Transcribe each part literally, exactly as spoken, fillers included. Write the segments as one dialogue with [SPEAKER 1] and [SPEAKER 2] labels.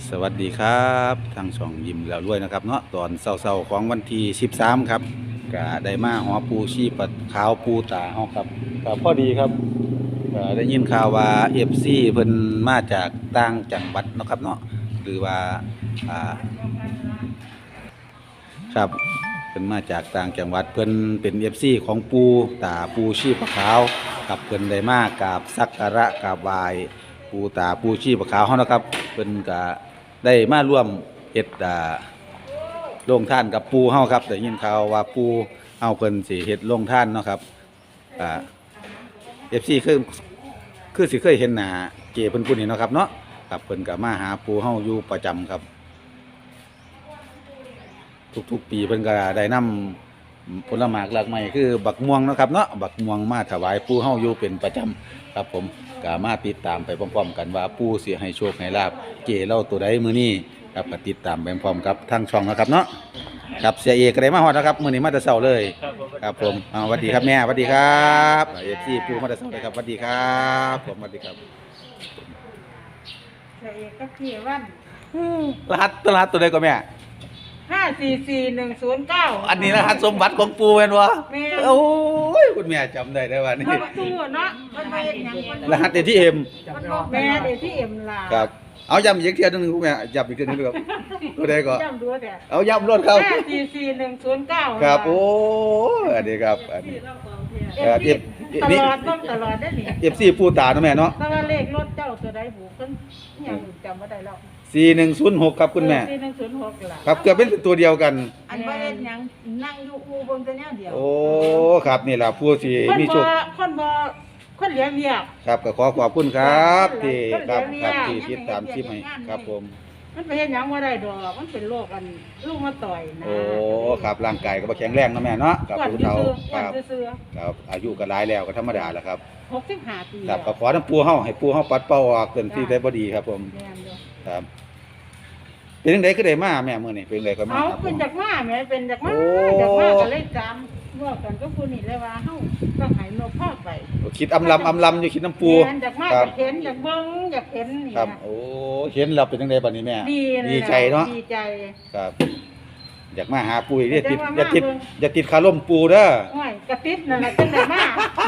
[SPEAKER 1] สวัสดีครับทางช่องยิ้มแล้วรวยนะครับเนาะตอนเช้าๆของวันที่สิบสามครับก็ได้มาหอปูชีปัดขาวปูตาเฮาครับก็พอดีครับก็ได้ยินข่าวว่า เอฟ ซี เพิ่นมาจากต่างจังหวัดเนาะครับเนาะหรือว่าอ่าครับเพิ่นมาจากต่างจังหวัดเพิ่นเป็น เอฟ ซี ของปูตาปูชีปะขาวครับเพิ่นได้มากราบสักการะกราบไหว้ปูตาปูชีปะขาวเฮานะครับเพิ่นก็ได้มาร่วมเฮ็ดอ่าโรงทานกับปูเฮาครับได้ยินข่าวว่าปูเฮาเพิ่นสิเฮ็ดโรงทานเนาะครับอ่า เอฟ ซี คือคือสิเคยเห็นหน้าเก๋เพิ่นผู้นี้เนาะครับเนาะครับเพิ่นก็มาหาปูเฮาอยู่ประจำครับทุกๆปีเพิ่นก็ได้นำผลไม้หลากหลายคือบักม่วงเนาะครับเนาะบักม่วงมาถวายปูเฮาอยู่เป็นประจำครับผมก็มาติดตามไปพร้อมๆกันว่าปูสิให้โชคให้ลาภเก๋เล่าตัวใดมื้อนี้ครับก็ติดตามไปพร้อมกับทางช่องนะครับเนาะครับเสียเอกก็ได้มาฮอดนะครับมื้อนี้มาแต่เช้าเลยครับผมอ่าสวัสดีครับแม่สวัสดีครับ เอฟ ซี ปูมาแต่เช้าเลยครับสวัสดีครับผมสวัสดีครับ
[SPEAKER 2] เสียเอกก็ขี่วัน
[SPEAKER 1] รหัสตัวรหัสตัวใดก็แม่
[SPEAKER 2] ห้าสี่สี่หนึ่งศูนย์เก้า
[SPEAKER 1] อันนี้รหัสสมบัติของปูแม่นบ่
[SPEAKER 2] แม่
[SPEAKER 1] โอ้ยคุณแม่จำได้ได้ว่านี่
[SPEAKER 2] เอาประตูเนาะมันไปอย่าง
[SPEAKER 1] รหัส เอ ที เอ็ม
[SPEAKER 2] มันบอกแม่เดี๋ยวที่เอ็มลา
[SPEAKER 1] ครับเอาย้ำอีกเทื่อนึงคุณแม่ย้ำอีกเทื่อนึงครับตัวใดก็
[SPEAKER 2] จำดูแต่
[SPEAKER 1] เอาย้ำรถครับ
[SPEAKER 2] ห้าสี่สี่หนึ่งศูนย์เก้า
[SPEAKER 1] ครับโอ้อันนี้ครับอันนี้
[SPEAKER 2] เอฟซีตลอดต้องตลอดได้หนิ
[SPEAKER 1] เอฟ ซี ปูตาเนาะแม่เนาะ
[SPEAKER 2] แต่ว่าเลขรถเจ้าตัวใดบุกกันอย่างจำไม่ได้แล้ว
[SPEAKER 1] สี่หนึ่งศูนย์หกครับคุณแม่
[SPEAKER 2] สี่หนึ่งศูนย์หกล่ะ
[SPEAKER 1] ครับเกือบเป็นตัวเดียวกัน
[SPEAKER 2] อันว่าเล่นยังนั่งอยู่อูบนตัวเนี้ยเดียว
[SPEAKER 1] โอ้ครับนี่ล่ะผู้ที่
[SPEAKER 2] คน
[SPEAKER 1] มี
[SPEAKER 2] บ่
[SPEAKER 1] โชค
[SPEAKER 2] คนบ่คนเลี้ยงเรียก
[SPEAKER 1] ครับก็ขอขอบคุณครับที่
[SPEAKER 2] ก็
[SPEAKER 1] ครับ
[SPEAKER 2] เดี๋
[SPEAKER 1] ค
[SPEAKER 2] ยว
[SPEAKER 1] รับ
[SPEAKER 2] นี้
[SPEAKER 1] ที่ติดตามคลิปให้ครับผม
[SPEAKER 2] มันไปเห็นหยังว่าได้ดอก มันเป็นโรคอันลูกมาต่อยนะ
[SPEAKER 1] โอ้ครับร่างกายก็บ่แข็งแรงเนาะแม่เนาะกับ
[SPEAKER 2] อ้วน
[SPEAKER 1] ผู้
[SPEAKER 2] ซื่
[SPEAKER 1] เฒ่า
[SPEAKER 2] อๆ
[SPEAKER 1] ค
[SPEAKER 2] อ้วน
[SPEAKER 1] รับ
[SPEAKER 2] ซื่อ
[SPEAKER 1] ครับอายุก็หลายแล้วก็ธรรมดาแหละครับ
[SPEAKER 2] ๆหกสิบห้าปี
[SPEAKER 1] ครับก็ขอน้ำปูเฮาให้ปูเฮาปัดเป่าออกเป็นที่ได้บ่ดีครับผม
[SPEAKER 2] แม่นเด้อ
[SPEAKER 1] ครับเป็นจังได๋คือได้มาแม่มื้อนี้เป็นจังไดก็มา
[SPEAKER 2] เอา
[SPEAKER 1] ครับผ
[SPEAKER 2] เป็น
[SPEAKER 1] ม
[SPEAKER 2] จากมาแม่เป็นจากมา
[SPEAKER 1] โอ้
[SPEAKER 2] จากมาก็เลยจำว่ากันก็ผู้นี่เลยว่าเฮาต้องให้นกพาไป
[SPEAKER 1] คิดอำลำอำลำอยู่คิดน้ำปู
[SPEAKER 2] แม่นจากมา
[SPEAKER 1] ค
[SPEAKER 2] อ
[SPEAKER 1] รับ
[SPEAKER 2] ยากเห็นอยากเบิ่งอยากเห็นนี่
[SPEAKER 1] ครับ
[SPEAKER 2] นะ
[SPEAKER 1] โอ้เห็นแล้วเป็นจังไดบัดนี้แม่
[SPEAKER 2] ดีเลย
[SPEAKER 1] ดีใจเนาะ
[SPEAKER 2] ดีใจ
[SPEAKER 1] ครับ อยากมาหาปูอีกเด้อติด
[SPEAKER 2] แต่ว่า
[SPEAKER 1] อย่าติด
[SPEAKER 2] มาเบิ่ง
[SPEAKER 1] อย่าติดคาร่มปูเด้อ
[SPEAKER 2] โอ้ยกระติดนั่นแหละจังได้มา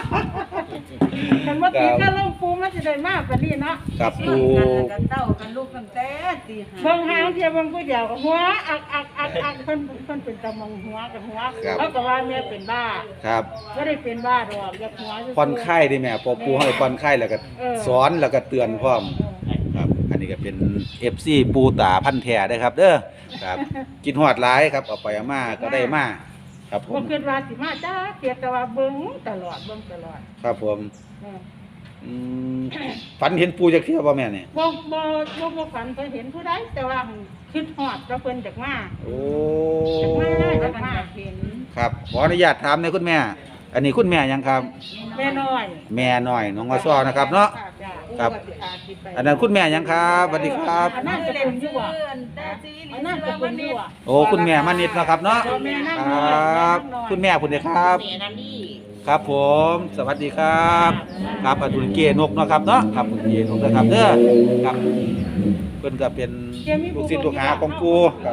[SPEAKER 2] มันว่าติดก็ลงปูมันจะได้มาปานนี้เนาะ
[SPEAKER 1] ครับปู
[SPEAKER 3] กันเต้ากันลูกกันแต่ตีห้า
[SPEAKER 2] เบิ่งหางเทียบเบิ่งผู้เดียวก็หัวอักอักอักอักเพิ่นเพิ่นเป็นตะมองหัวกับหัวเขาก็ว่าแม่เป็นบ้า
[SPEAKER 1] ครับ
[SPEAKER 2] บ่ได้เป็นบ้าดอกอยากหัวซื่ๆ
[SPEAKER 1] ผ่อนคลายดิแม่พอปูให้ผ่อนคลายแล้วก็
[SPEAKER 2] เออ
[SPEAKER 1] สอนแล้วก็เตือนพร้อมครับ อันนี้ก็เป็น เอฟ ซี ปูตาพันธุ์แท้เด้อครับ เด้อครับกินฮอดหลายครับเอาไปเอามาก็ได้มาครับผ
[SPEAKER 2] บ่
[SPEAKER 1] ม
[SPEAKER 2] คิดว่าสิมาจ้าเกียแต่ว่าเบิ่งตลอดเบิ่งตลอด
[SPEAKER 1] ครับผม
[SPEAKER 2] เออ
[SPEAKER 1] อืมฝันเห็นปูจักเที่ยวบ่แม่นี่
[SPEAKER 2] บ่บ่บ่บ่ฝันเคยเห็นผู้ใดแต่ว่าคิดฮอดว่าเพิ่นจักมา
[SPEAKER 1] โอ้
[SPEAKER 2] จักมา
[SPEAKER 3] แล้
[SPEAKER 2] จั
[SPEAKER 3] ว
[SPEAKER 2] ก
[SPEAKER 3] กัน
[SPEAKER 2] มา
[SPEAKER 3] อยากเห็น
[SPEAKER 1] ครับขออนุญาตถามหน่อยคุณแม่ อันนี้คุณแม่หยังครับ
[SPEAKER 2] แม่น้อย
[SPEAKER 1] แม่น้อยน้องอซ้อนะครับเนาะ
[SPEAKER 2] จ้ะ
[SPEAKER 1] ครับ อันนั้นคุณแม่หยังครับสวัสดีครับ
[SPEAKER 2] อันนั้นจะเป็นอยู่บ่
[SPEAKER 3] เพื่อนแต่ซี
[SPEAKER 2] อันนั้นจะเป็นอยู่บ่
[SPEAKER 1] โอ้คุณแม่มานิดนะครับเนาะ
[SPEAKER 2] แม่นั่ง
[SPEAKER 1] ค
[SPEAKER 2] น้
[SPEAKER 1] ร
[SPEAKER 2] อย
[SPEAKER 1] ับ
[SPEAKER 2] แม่นั่งน้อย
[SPEAKER 1] คุณแม่คุณเด้ครับ
[SPEAKER 3] เมียนั่นนี่
[SPEAKER 1] ครับผม สวัสดีครับ ครับอดุลเกนกเนาะครับเนาะครับคุณเกนกนะครับเด้อครับเพิ่นก็เป็นลูกศิษย์ลูกหาของปูครับ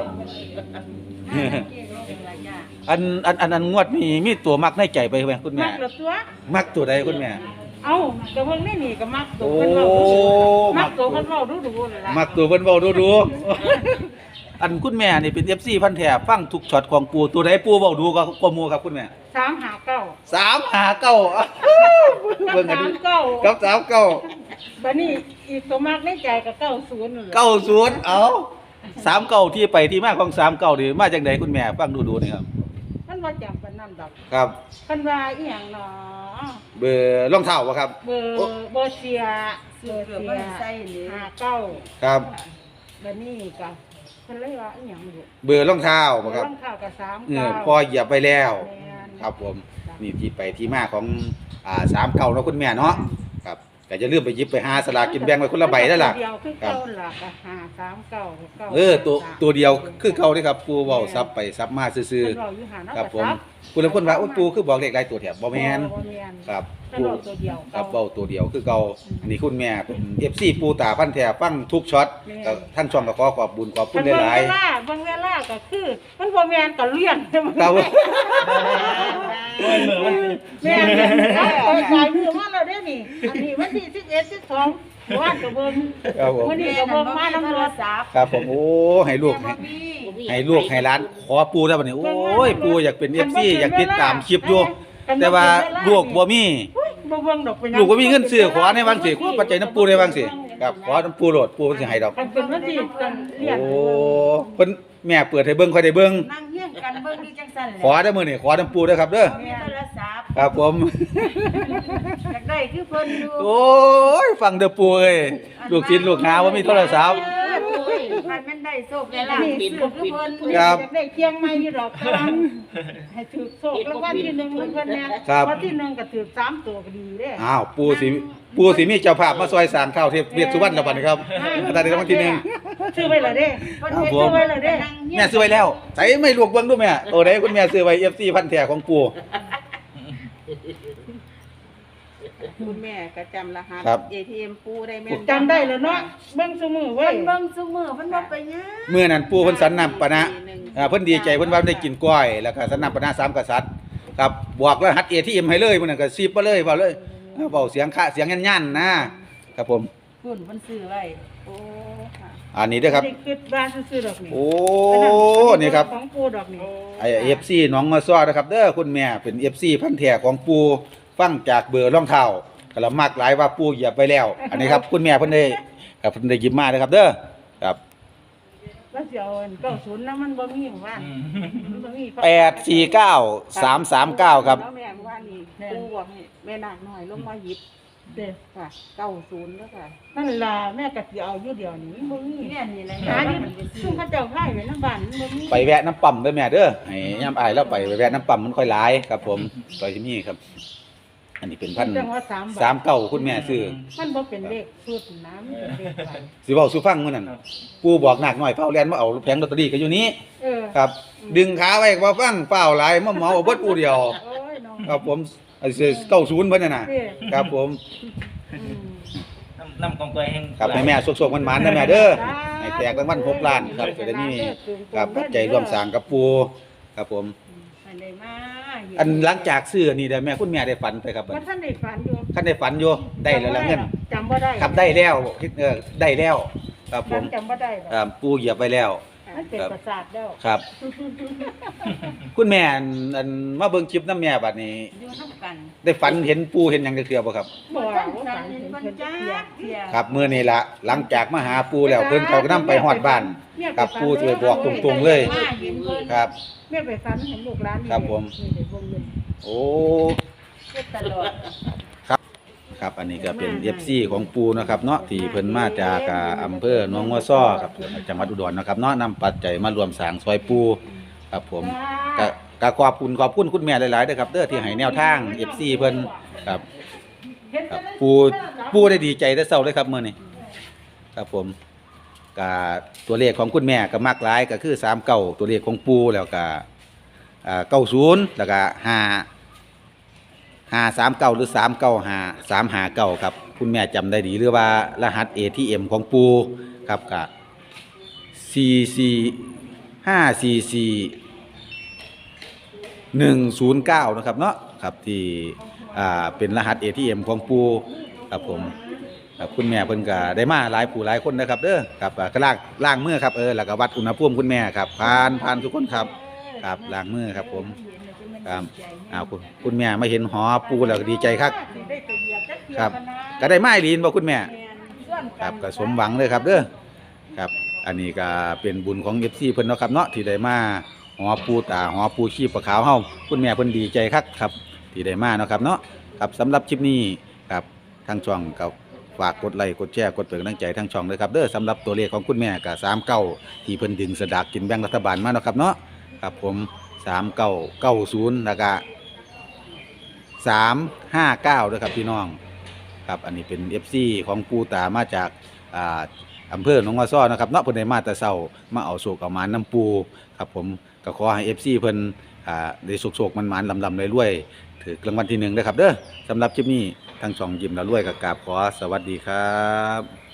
[SPEAKER 1] อันอันอันอันงวดนี้มีตัวมักในใจไปไหมคุณแม่
[SPEAKER 2] มักเหลือตัว
[SPEAKER 1] มักตัวใดคุณแม่
[SPEAKER 2] เอ้าแต่เพิ่นไม่หนีก็มักตัว
[SPEAKER 1] โอ้
[SPEAKER 2] เพิ่นเว้าดูๆมักตัวเพิ่นเว้าดูๆนั่นล่ะ
[SPEAKER 1] มักตัวเพิ่นเว้าดูๆ อันคุณแม่นี่เป็น เอฟ ซี พันธุ์แท้ฟังทุกช็อตของปูตัวใดปูเว้าดูก็กว่าหมู่ครับคุณแม่
[SPEAKER 2] สามหาเก้า
[SPEAKER 1] สามหาเก้าเบิ่งกัน
[SPEAKER 2] สา
[SPEAKER 1] ดิ
[SPEAKER 2] มเก้า
[SPEAKER 1] กับสามเก้า
[SPEAKER 2] บัดนี้อีกตัวมักในใจก็เก้าศูนย์นั่นแหละ
[SPEAKER 1] เก้าศูนย์เอาสามเก้าที่ไปที่มาของสามเก้านี่มาจากไหนคุณแม่ฟังดูดูนี่ครับ
[SPEAKER 2] มันว่าจำปานนั้นดอก
[SPEAKER 1] ครับ
[SPEAKER 2] เพิ่นว่าอีหยังเนาะ
[SPEAKER 1] เบอร์รองเท้าบ่ครับ
[SPEAKER 2] เบอร์เบอร์เสียเบอร์
[SPEAKER 3] เกือบ
[SPEAKER 2] เสี
[SPEAKER 3] ไม่
[SPEAKER 2] ย
[SPEAKER 3] ใส่เลย
[SPEAKER 2] หาเก้า
[SPEAKER 1] ครับ
[SPEAKER 2] บัดนี้ก็เพิ่นเลยว่าอีหยังอยู่
[SPEAKER 1] เบอร์รองเท้าบ่ครับ
[SPEAKER 2] รองเท้าก็สาม
[SPEAKER 1] เออ
[SPEAKER 2] เก้า
[SPEAKER 1] พอเหยียบไปแล้ว
[SPEAKER 2] แม่น
[SPEAKER 1] ครับผมนี่ที่ไปที่มาของอ่าสามเก้าเนาะคุณแม่เนาะครับก็จะลืมไปหยิบไปหาสลากกินแบ่งไว้คนละใบแล้วล่ะ
[SPEAKER 2] ตัวเดียวคือ
[SPEAKER 1] ครับ
[SPEAKER 2] เก้าล่ะก็หาสามเก้าเก้า
[SPEAKER 1] เออตัวตัวเดียวคือเขาเด้ครับปูเว้าซับไปซับมาซื่อ
[SPEAKER 2] เพิ่นเว้าอยู่หาเนาะ
[SPEAKER 1] ๆครับผม
[SPEAKER 2] ซับ
[SPEAKER 1] ผู้ลางคนว่าโอ้ปูคือบอกเลขหลายตัวแถบบ่แม่น
[SPEAKER 2] บ่แม่น
[SPEAKER 1] ครับ
[SPEAKER 2] แต่เราตัวเดียว
[SPEAKER 1] ครับเว้าตัวเดียวคือเก่าอันนี้คุณแม่เป็น เอฟ ซี ปูตาพันแท้ฟังทุกช็อตก็ทั้งช่องก็ขอขอบบุญขอบคุณหลาย
[SPEAKER 2] เวลาบางเวลาก็คือมันบ่แม่นก็เลี่ยน
[SPEAKER 1] ๆครับ
[SPEAKER 4] โอ้ยมือมัน
[SPEAKER 2] แม่นเอาไปขายมือมาแล้วเด้นี่อันนี้วันที่สิบเอ็ด สิบสองว่านก็เบิ่ง
[SPEAKER 1] ครับผม
[SPEAKER 2] วันนี้ก็เบิ่งมาน้ำรถ
[SPEAKER 3] ศัพท์
[SPEAKER 1] ครับผมโอ้ให้ลูกให้
[SPEAKER 3] มี
[SPEAKER 1] ให้ลูกให้ร้านขอปูได้บัดนี้โอ้ยปูอยากเป็น เอฟ ซี อยากติดตามคลิปอยู่แต่ว่าลูกบ่มี
[SPEAKER 2] บ่เบิ่งดอกเป็นหยัง
[SPEAKER 1] ลูกบ่มีเงินซื้อขอในบางสิขอปัจจัยน้ำปูในบางสิครับขอน้ำปูโหลดปูเพิ่นสิให้ดอก
[SPEAKER 2] มันเป็นวันที่กันเลี่ยน
[SPEAKER 1] โอ้เพิ่นแม่เปิดให้เบิ่งค่อยได้เบิ่ง
[SPEAKER 3] นั่งเฮียงกันเบิ่งอยู่จังซั่นแหละ
[SPEAKER 1] ขอได้อมื้อนี้ขอน้ำปูเด้อครับเด้อ
[SPEAKER 3] มีโทรศัพท์
[SPEAKER 1] ครับผม
[SPEAKER 3] อยากได้คือเพิ่นอยู่
[SPEAKER 1] โอ้ยฟังเด้อปูเอ้ยลูกศิษย์ลูกหาว่ามีโทรศัพท์
[SPEAKER 3] เออปุ้ยมันแม่นได้โชคได้ลาภซื้อคือเพิ่น
[SPEAKER 1] ครับ
[SPEAKER 2] อยากได้เคียงไม้อยู่ดอกกำลังให้ถือโชครางวัลที่หนึ่งเพิ่นแน่
[SPEAKER 1] ครับ
[SPEAKER 2] วันที่หนึ่งก็ถือสามตัวก็ดีเด้
[SPEAKER 1] อ้าวปูสิปูสิมีเจ้าภาพมาซอยสร้างข้าวเทพเวียดสุวรรณแล้วบัดนี้ครับตอนนี้รางวัลที่หนึ่ง
[SPEAKER 2] ซื้อไว้แล้วเด้
[SPEAKER 3] เพิ่น
[SPEAKER 1] ครับ
[SPEAKER 3] เฮ็ด
[SPEAKER 1] ผม
[SPEAKER 3] ไว้แล้วเด้
[SPEAKER 1] แม่ซื้อไว้แล้วใส่ไม่ลวกเบิ่งดูแม่โอ้ได้คุณแม่ซื้อไว้ เอฟ ซี พันแท้ของปู
[SPEAKER 5] คุณแม่ก็จำรหัส
[SPEAKER 1] ครับ
[SPEAKER 5] เอ ที เอ็ม ปูได้แม่น
[SPEAKER 2] จำได้แล้วเนาะเบิ่งซุมือเว้
[SPEAKER 3] เพิ่
[SPEAKER 2] ย
[SPEAKER 3] นเบิ่งซุมื้อเพิ่นบ่ไปหยัง
[SPEAKER 1] เมื่อนั้นปูเพิ่นสันนำปะนะอ่าเพิ่นดีใจเพิ่นว่าได้กินกล้อยแล้วก็สันนำปะนะสามกษัตริย์ครับบอกรหัส เอ ที เอ็ม ให้เลยมื้อนั้นก็ซีบมาเลยเว้าเลยเว้าเสียงคะเสียงยันๆนะครับผม
[SPEAKER 3] เพิ่นเพิ่นซื้อไว้
[SPEAKER 5] โอ้ค่ะ
[SPEAKER 1] อันนี้เด้อครับ
[SPEAKER 2] ได้คิดบ้านซื้อๆดอกนี่
[SPEAKER 1] โอ้นี่ครับ
[SPEAKER 2] ของปูดอกนี่
[SPEAKER 1] ไอ้ เอฟ ซี น้องมาซ้อนะครับเด้อคุณแม่เป็น เอฟ ซี พันธุ์แท้ของปูฟังจากเบอร์รองเท้าก็ละมักหลายว่าปูเหยียบไปแล้ว อันนี้ครับคุณแม่เพิ่นได้ครับเพิ่นได้หยิบมาเด้อครับเด้อครับ
[SPEAKER 2] แล้วสิเอาอันเก้าศูนย์แล้วมันบ่มีหมู่บ้านมันบ่มี
[SPEAKER 1] แปด สี่ เก้า สาม สาม เก้าครับ
[SPEAKER 5] แล้วแม่ว่านี่ปูบอกให้แม่นางน้อยลงมาหยิบ
[SPEAKER 2] เด้อ
[SPEAKER 5] ค่ะเก้าศูนย์แล้วค่ะ
[SPEAKER 2] นั่นล่ะแม่ก็สิเอาอยู่เดียวนี่มันบ่มี
[SPEAKER 3] เนี่ยนี่แหละ
[SPEAKER 2] หาอยู่ซุ่มเขาเจ้าพายไว้นำบ้านมันบ่มี
[SPEAKER 1] ไปแวะน้ำปั๊มเด้อแม่เด้อให้ยามอายแล้วไปไปแวะน้ำปั๊มมันค่อยหลายครับผมต่อยที่นี่ครับ อันนี้เป็นพัน
[SPEAKER 2] จังว่าสามบาท
[SPEAKER 1] สามเก้าคุณแม่ซื้อ
[SPEAKER 2] มันบ่เป็นเลขชุดนะมันเป็นเลขไว้
[SPEAKER 1] สิเว้าสู่ฟังมื้อนั้นปูบอกหนักหน่อยเฝ้าแล่นมาเอาแผงลอตเตอรี่ก็อยู่นี้
[SPEAKER 2] เออ
[SPEAKER 1] ครับ ดึงขาไว้บ่ฟังเฝ้าหลายมาเหมาเอาเบิดปูเดียว
[SPEAKER 2] โอ้ยน้อง
[SPEAKER 1] ครับผมไอ้เก้าศูนย์เพิ่นน่ะน่ะ
[SPEAKER 2] เด้อ
[SPEAKER 1] ครับผม
[SPEAKER 2] อืม
[SPEAKER 4] น้ำน้ำกองตัวแห้ง
[SPEAKER 1] ครับให้แม่สุกๆมันๆนะแม่เด้อให้แตกรางวัลหกล้านครับจะได้มีครับปัจจัยร่วมสร้างกับปูครับผม
[SPEAKER 3] อันใดมา
[SPEAKER 1] อันหลังจากซื้ออันนี้ได้แม่คุณแม่ได้ฝันไปครับ
[SPEAKER 2] ว่าท่านได้ฝันอยู่
[SPEAKER 1] คันได้ฝันอยู่ได้แล้วละเงิน
[SPEAKER 2] จำบ่ได้
[SPEAKER 1] ครับได้แล้วคิดเออได้แล้วครับผม
[SPEAKER 2] จำบ่ได้หรอก
[SPEAKER 1] ครับปูเหยียบไปแล้ว
[SPEAKER 2] มันเป็นประสาทแล้ว
[SPEAKER 1] ครับ คุณแม่อันอันมาเบิ่งคลิปน้ำแม่บัดนี้
[SPEAKER 3] อยู่นำกัน
[SPEAKER 1] ได้ฝันเห็นปูเห็นหยังจักเทื่อบ่ครับ
[SPEAKER 2] บ่
[SPEAKER 3] บ่
[SPEAKER 2] ว่า
[SPEAKER 3] ทัน
[SPEAKER 2] ฝั
[SPEAKER 3] ฝั
[SPEAKER 2] น
[SPEAKER 3] น
[SPEAKER 2] เห็
[SPEAKER 3] เห็
[SPEAKER 2] น
[SPEAKER 3] น
[SPEAKER 2] เพิ่
[SPEAKER 3] เพิ่
[SPEAKER 2] น
[SPEAKER 3] น
[SPEAKER 2] จั
[SPEAKER 3] จั
[SPEAKER 2] ก
[SPEAKER 3] ก
[SPEAKER 2] เที่
[SPEAKER 3] เที่
[SPEAKER 2] ย
[SPEAKER 3] ย
[SPEAKER 1] ครับมื้อนี้ละหลังจากมาหาปูแล้วเพิ่นเขาก็นำไปฮอดบ้านครับปูสิไปบอกตรงๆเลย
[SPEAKER 3] มาเห็นเพิ่น
[SPEAKER 1] ครับ
[SPEAKER 2] แม่ไปฝันเห็นลูกหลานนี่
[SPEAKER 1] ครับผม
[SPEAKER 2] นี่ได้วงเงิน
[SPEAKER 1] โอ้
[SPEAKER 3] เฮ็ดตลอด
[SPEAKER 1] ครับอันนี้ก็เป็น เอฟ ซี ของปูนะครับเนาะที่เพิ่นมาจากอ่าอำเภอหนองงัวซ้อครับจังหวัดอุดรนะครับเนาะนำปัจจัยมารวมสร้างซอยปูครับผมก็ก็ขอบคุณขอบคุณคุณแม่หลายๆเด้อครับเด้อที่ให้แนวทาง เอฟ ซี เพิ่นครับครับปูปูได้ดีใจได้เศร้าเลยครับมื้อนี้ครับผมก็ตัวเลขของคุณแม่ก็มักหลายก็คือสามเก้าตัวเลขของปูแล้วก็อ่าเก้าศูนย์แล้วก็ห้า ห้าสามเก้าหรือสามเก้าห้าสามห้าเก้าครับคุณแม่จำได้ดีหรือว่ารหัส เอ ที เอ็ม ของปูครับกับสี่สี่ห้าสี่สี่หนึ่งศูนย์เก้านะครับเนาะครับที่อ่าเป็นรหัส เอ ที เอ็ม ของปูครับผมครับคุณแม่เพิ่นก็ได้มาหลายผู้หลายคนนะครับเด้อครับอ่าก็ล้างล้างมือครับเออแล้วก็วัดอุณหภูมิคุณแม่ครับผ่านผ่านทุกคนครับครับล้างมือครับผมครับอ้าวคุณคุณแม่มาเห็นหอปูแล้วก็ดีใจครับ
[SPEAKER 2] ได้ตัวเดียวจักเที่ย
[SPEAKER 1] ครับ
[SPEAKER 2] กันนะ
[SPEAKER 1] ก็ได้ไม้ลีนบ่คุณแม่
[SPEAKER 2] แม่นส่วน
[SPEAKER 1] ค
[SPEAKER 2] กั
[SPEAKER 1] รั
[SPEAKER 2] น
[SPEAKER 1] บก็สมหวังเลยครับเด้อครับ อันนี้ก็เป็นบุญของ เอฟ ซี เพิ่นเนาะครับเนาะที่ได้มาหอปูตาหอปูชีพปลาขาวเฮาคุณแม่เพิ่นดีใจคักครับที่ได้มาเนาะครับเนาะครับสำหรับคลิปนี้ครับทางช่องก็ฝากกดไลค์กดแชร์กดเป็นกำลังใจทางช่องเลยครับเด้อสำหรับตัวเลขของคุณแม่ก็สามเก้าที่เพิ่นดึงสลากกินแบ่งรัฐบาลมาเนาะครับเนาะครับผมสามเก้าเก้าศูนย์แล้วก็สามห้าเก้าด้วยครับพี่น้องครับอันนี้เป็น เอฟ ซี ของปูตามาจากอ่าอำเภอหนองว่าซ้อนะครับเนาะเพิ่นได้มาแต่เช้ามาเอาโศกเอาหมานน้ำปูครับผมก็ขอให้ เอฟ ซี เพิ่นอ่าได้โศกๆมันๆลำๆรวยๆถือรางวัลที่หนึ่งเด้อครับเด้อสำหรับคลิปนี้ทางช่องยิ้มแล้วรวยก็กราบขอสวัสดีครับ